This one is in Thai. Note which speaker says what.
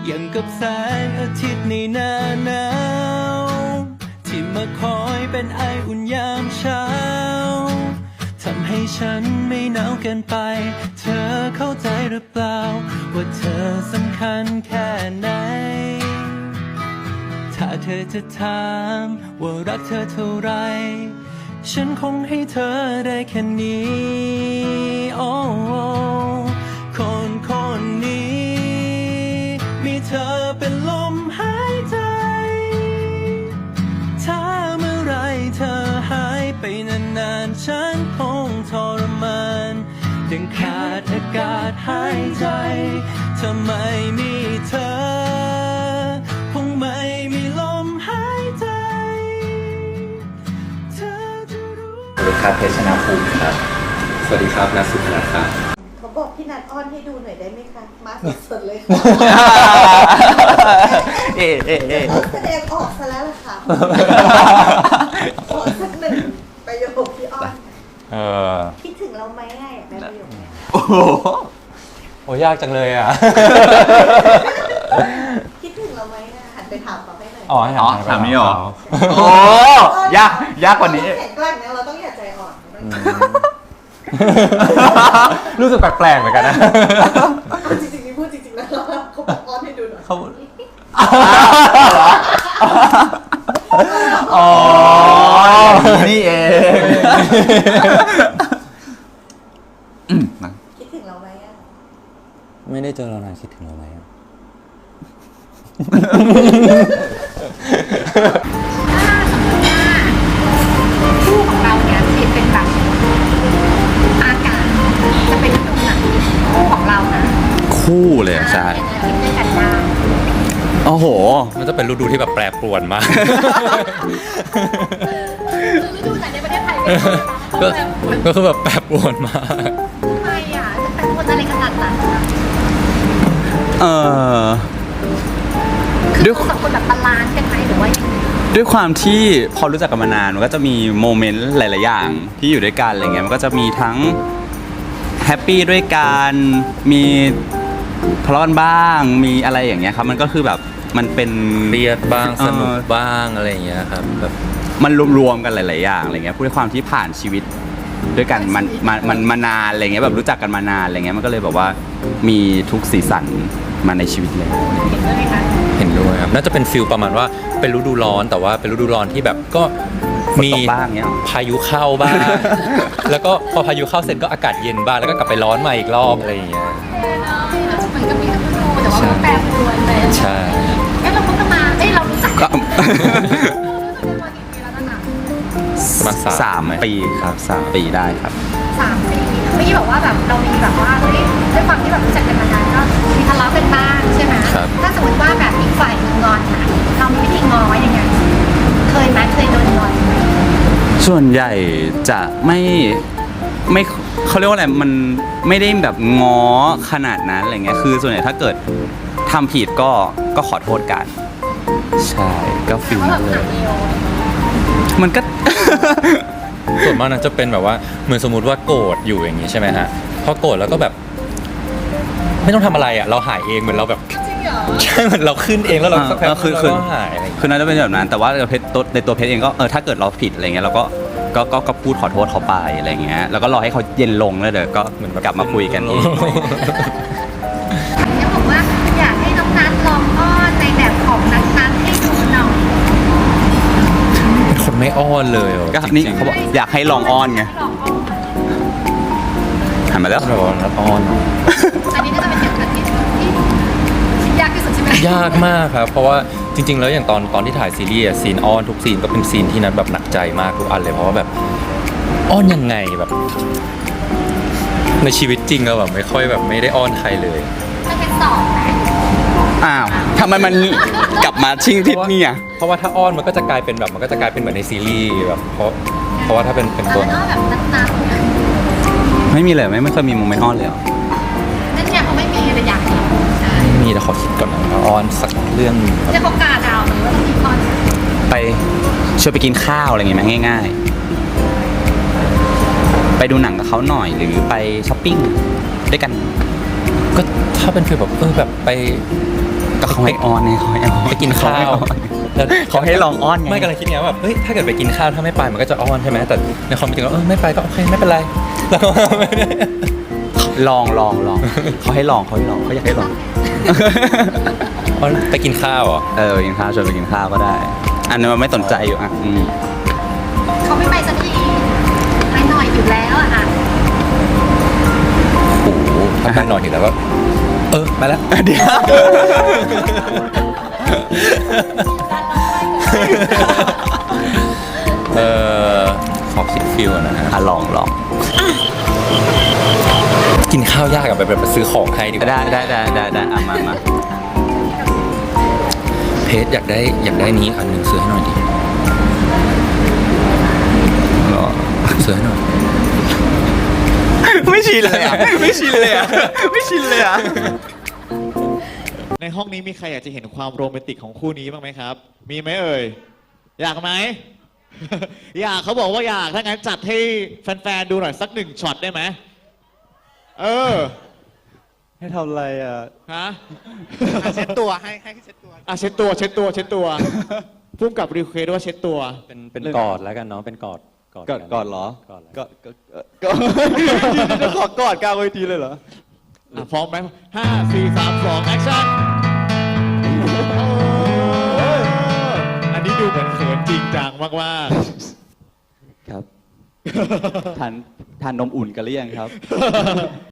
Speaker 1: อย่างกับแสงอาทิตย์ในหน้าหนาวที่มาคอยเป็นไออุ่นยามเช้าทำให้ฉันไม่หนาวเกินไปเธอเข้าใจหรือเปล่าว่าเธอสำคัญแค่ไหนถ้าเธอจะถามว่ารักเธอเท่าไรฉันคงให้เธอได้แค่นี้โอ้คนนี้มีเธอเป็นลมหายใจถ้าเมื่อไรเธอหายไปนานๆฉันคงทรมานยังขาดอากาศหายใจถ้าไม่มีเธอคงไม่มีลมหายใจเธอจะรู้
Speaker 2: สวัสดีครับเพชรชนะภูมิครับสวัสดีครับนัทสุพนัทครับ
Speaker 3: เขาบอกพี่นัทอ้อนให้ดูหน่อยได้ไหมคะมาสดๆเลยค่ะแสดงออกซะแล้วล่ะค่ะขอสักหนึ่งประโยคที่อ้อนคิดถึงเราไหมอยากได้ประโยคนี้
Speaker 4: โอ้โหยากจังเลยอ่ะ
Speaker 3: คิดถึงเราไหมหันไปถามเขาให้หน่อย
Speaker 4: อ๋อถามนี่หรอโอ้ยากกว่านี้
Speaker 3: แข็งแกร่งนะเราต้องอย่าใจอ่อน
Speaker 4: รู้สึกแปลกๆเหมือนกันนะ
Speaker 3: จริงๆนี่พูดจริงๆนะเขาบอกอ้อนให้ดูหน่อย
Speaker 4: เขาอ๋อนี่เอง
Speaker 3: คิดถึงเราไหมอ่ะ
Speaker 4: ไม่ได้เจอเรานานคิดถึงเราไหม
Speaker 5: คู่ของเราเนี่ยจะเป็นแบบอากาศจะเป็นฤดูหนาวคู่ของเรานะ
Speaker 4: คู่เลยใช่
Speaker 5: ด้วยกันได้
Speaker 4: โอ้โห
Speaker 6: มันจะเป็นฤดูที่แบบแปรปรวนมาก
Speaker 5: ฤดูไหนในประเทศไทย
Speaker 6: ก็คือแบบแปรปรวนมาก
Speaker 5: ทำไมอ่ะจะเป็นคนอะไรขนาดนั้นคือสองคนแบบบาลานซ์กันไหมหรือว่า
Speaker 4: ด้วยความที่พอรู้จักกันมานานมันก็จะมีโมเมนต์หลายๆอย่างที่อยู่ด้วยกันอะไรเงี้ยมันก็จะมีทั้งแฮปปี้ด้วยกันมีทะเลาะกันบ้างมีอะไรอย่างเงี้ยครับมันก็คือแบบมันเป็น
Speaker 6: เครียดบ้างสนุกบ้างอะไรอย่างเงี้ยครับแบบ
Speaker 4: มันรวมๆกันหลายๆอย่างอะไรเงี้ยด้วยความที่ผ่านชีวิตด้วยกันมันมานานอะไรเงี้ยแบบรู้จักกันมานานอะไรเงี้ยมันก็เลยแบบว่ามีทุกสีสันมาในชีวิตเลย
Speaker 5: เห็นด้วยไหมคะ
Speaker 6: เห็นด้วยครับน่าจะเป็นฟิลประมาณว่าเป็นฤดูร้อนแต่ว่าเป็นฤดูร้อนที่แบบก็มีพายุเข้าบ้าง แล้วก็พอพายุเข้าเสร็จก็อากาศเย็นบ้างแล้วก็กลับไปร้อนมาอีกรอบอะไรอย่างเงี้ย
Speaker 5: มันก็มีทั้งฤดูแต่ว่ามันแปรปรวนเลย
Speaker 6: ใช่
Speaker 5: งั้นเราคบกันมาเรารู้จักกัน
Speaker 6: มา
Speaker 4: 3 ปีครับ3 ปีได้ครับ
Speaker 5: 3 ปีเมื่อกี้บอกว่าแบบเรามีแบบว่าด้วยความที่แบบรู้จักกันมานานก็มีทะเลาะกันบ้างใช่ไหมถ้าสมมติว่าแบบอีกฝ่ายงอนนะเรามีวิธีง้อยังไงเคยโดนงอนไหม
Speaker 4: ส่วนใหญ่จะไม่เขาเรียกว่าอะไรมันไม่ได้แบบง้อขนาดนั้นอะไรเงี้ยคือส่วนใหญ่ถ้าเกิดทำผิดก็ขอโทษกันใช่ก็ฟิลนั้นเลยมันก็
Speaker 6: ส่วนมากนั้นจะเป็นแบบว่าเหมือนสมมุติว่าโกรธอยู่อย่างนี้ใช่ไหมฮะพอโกรธแล้วก็แบบไม่ต้องทำอะไรอ่ะเราหายเองเหมือนเราแบบใช่เหมือนเราขึ้นเองแล้วเราสักพักเราก็หาย
Speaker 4: คือน่าจะเป็นแบบนั้นแต่ว่าในตัวเพชรเองก็ถ้าเกิดเราผิดอะไรเงี้ยเราก็พูดขอโทษเขาไปอะไรเงี้ยแล้วก็รอให้เขาเย็นลงแล้วเดี๋ยวก็เหมือนกลับมาคุยกันเอง
Speaker 5: จะบอกว่าอยากให้น้องนัทลองอ้อนในแบบของนัทให้ดูหน่อย
Speaker 6: เป็นคนไม่อ้อนเลย
Speaker 4: ก็นี่เขาบอกอยากให้ลองอ้อนไงหันมาแล้ว
Speaker 6: แบบว่านัทอ้อน
Speaker 5: อันนี้น่าจะเป็นอย่างที่ยากที่สุดใช่ไหม
Speaker 6: ยากมากครับเพราะว่าจริงๆแล้วอย่างตอนที่ถ่ายซีรีส์ซีนอ้อนทุกซีนก็เป็นซีนที่นัทแบบหนักใจมากทุกอันเลยเพราะว่าแบบอ้อนยังไงแบบในชีวิตจริงเราแบบไม่ค่อยแบบไม่ได้อ้อนใครเลย
Speaker 5: มันเป็น2ไหม
Speaker 4: อ้าวทำไมมันกลับมาชิงทิศนี่อ่ะ
Speaker 6: เพราะว่าถ้าอ้อนมันก็จะกลายเป็นแบบมันก็จะกลายเป็นเหมือนในซีรีส์แบบเพราะว่าถ้าเป็นตัว
Speaker 5: แบบนัท
Speaker 4: ไม่มีเลยไม่เคยมีโมเมนต์อ้อนเลย
Speaker 5: นั่นเนี่ยเขาไม่มีแต่อยาก
Speaker 6: มีแต่ขอคิดก่อนนะอ้อนสักเรื่อง
Speaker 5: จะประกาศดาวหรือว่าต้องมีอ้อน
Speaker 4: ไปชวนไปกินข้าวอะไรอย่างเงี้ยง่ายๆไปดูหนังกับเขาหน่อยหรือไปช้อปปิ้งด้วยกัน
Speaker 6: ก็ถ้าเป็นฟีลแบบแบบไปก
Speaker 4: ก็เขาให้อ้อนไงเขาให้อ้อน
Speaker 6: ไปกินข้าวแล้ว
Speaker 4: เขาให้ลองอ้อนไง
Speaker 6: ไม่กำลังคิดไงว่าแบบเฮ้ยถ้าเกิดไปกินข้าวถ้าไม่ไปมันก็จะอ้อนใช่ไหมแต่ในความเป็นจริงแล้วไม่ไปก็โอเคไม่เป็นไรแล้วก็ไม่ได้
Speaker 4: ลองเขาให้ลองเขาอยากให้ลอง
Speaker 6: อ้อนไปกินข้าวเหรอ
Speaker 4: กินข้าวชวนไปกินข้าวก็ได้ อันนี้มันไม่สนใจอยู่อ่ะ
Speaker 5: เขาไม่ไปสักทีไปหน่อยอยู่แล้วอะค่ะ
Speaker 6: โอ้โหถ้าไปหน่อยอยู่แล้วก็ไปแล้ว
Speaker 4: เดี๋ยว
Speaker 6: ขอคิดฟิลนะฮะ
Speaker 4: ลอง
Speaker 6: กินข้าวยากกับแบบซื้อของให้ดีกว่า
Speaker 4: ได้อ่ะมา
Speaker 6: เพจอยากได้นี้อันหนึ่งซื้อให้หน่อยดิซื้อให้หน่อย
Speaker 4: ไม่ชินเลยอ่ะ
Speaker 7: ในห้องนี้มีใครอยากจะเห็นความโรแมนติกของคู่นี้บ้างไหมครับ มีไหมเอ่ย อยากไหม อยากเขาบอกว่าอยาก ถ้างั้นจัดให้แฟนๆดูหน่อยสักหนึ่งช็อตได้ไหม
Speaker 8: ให้ทำอะไรอ่ะ
Speaker 7: ฮะ
Speaker 8: เช็ดตัวให้เช็ดตัว
Speaker 7: เช็ดตัวพุ่มกับรีเควสว่าเช็ดตัว
Speaker 6: เป็นกอดแล้วกันเนาะเป็นกอด
Speaker 8: ก่อนเหรอ
Speaker 6: กอดแล้ว
Speaker 8: จะขอกอดกลางเวทีเลยเหรอ
Speaker 7: พร้อมไหม5 4 3 2 แอคชั่น อันนี้ดูเหมือนเขินจริงจังมาก
Speaker 8: ครับ ทานนมอุ่นกันหรือยังครับ